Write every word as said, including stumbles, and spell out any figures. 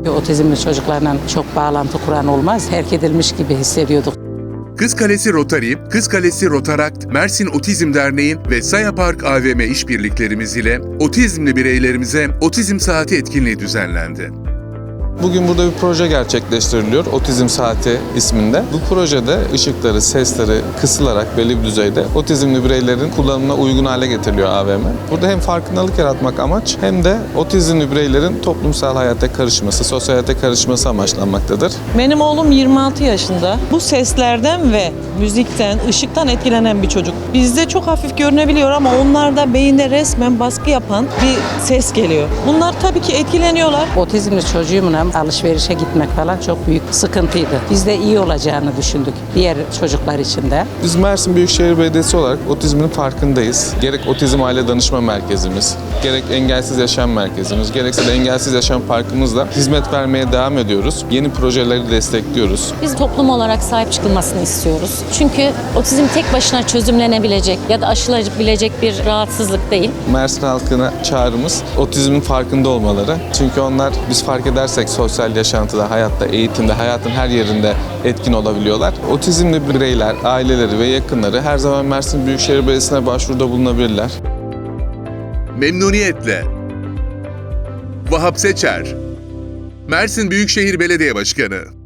Otizmli çocuklarla çok bağlantı kuran olmaz, terk edilmiş gibi hissediyorduk. Kızkalesi Rotary, Kızkalesi Rotarakt, Mersin Otizm Derneği ve Saya Park A V M işbirliklerimiz ile otizmli bireylerimize Otizm Saati etkinliği düzenlendi. Bugün burada bir proje gerçekleştiriliyor, Otizm Saati isminde. Bu projede ışıkları, sesleri kısılarak belli bir düzeyde otizmli bireylerin kullanımına uygun hale getiriliyor A V M. Burada hem farkındalık yaratmak amaç hem de otizmli bireylerin toplumsal hayata karışması, sosyal hayata karışması amaçlanmaktadır. Benim oğlum yirmi altı yaşında. Bu seslerden ve müzikten, ışıktan etkilenen bir çocuk. Bizde çok hafif görünebiliyor ama onlarda beyinde resmen baskı yapan bir ses geliyor. Bunlar tabii ki etkileniyorlar. Otizmli çocuğumla alışverişe gitmek falan çok büyük sıkıntıydı. Biz de iyi olacağını düşündük diğer çocuklar için de. Biz Mersin Büyükşehir Belediyesi olarak otizmin farkındayız. Gerek Otizm Aile Danışma Merkezimiz, gerek Engelsiz Yaşam Merkezimiz, gerekse de Engelsiz Yaşam Parkımızla hizmet vermeye devam ediyoruz. Yeni projeleri destekliyoruz. Biz toplum olarak sahip çıkılmasını istiyoruz. Çünkü otizm tek başına çözümlenebilecek ya da aşılabilecek bir rahatsızlık değil. Mersin halkına çağrımız otizmin farkında olmaları. Çünkü onlar biz fark edersek sosyal yaşantıda, hayatta, eğitimde, hayatın her yerinde etkin olabiliyorlar. Otizmli bireyler, aileleri ve yakınları her zaman Mersin Büyükşehir Belediyesi'ne başvuruda bulunabilirler. Memnuniyetle. Vahap Seçer, Mersin Büyükşehir Belediye Başkanı.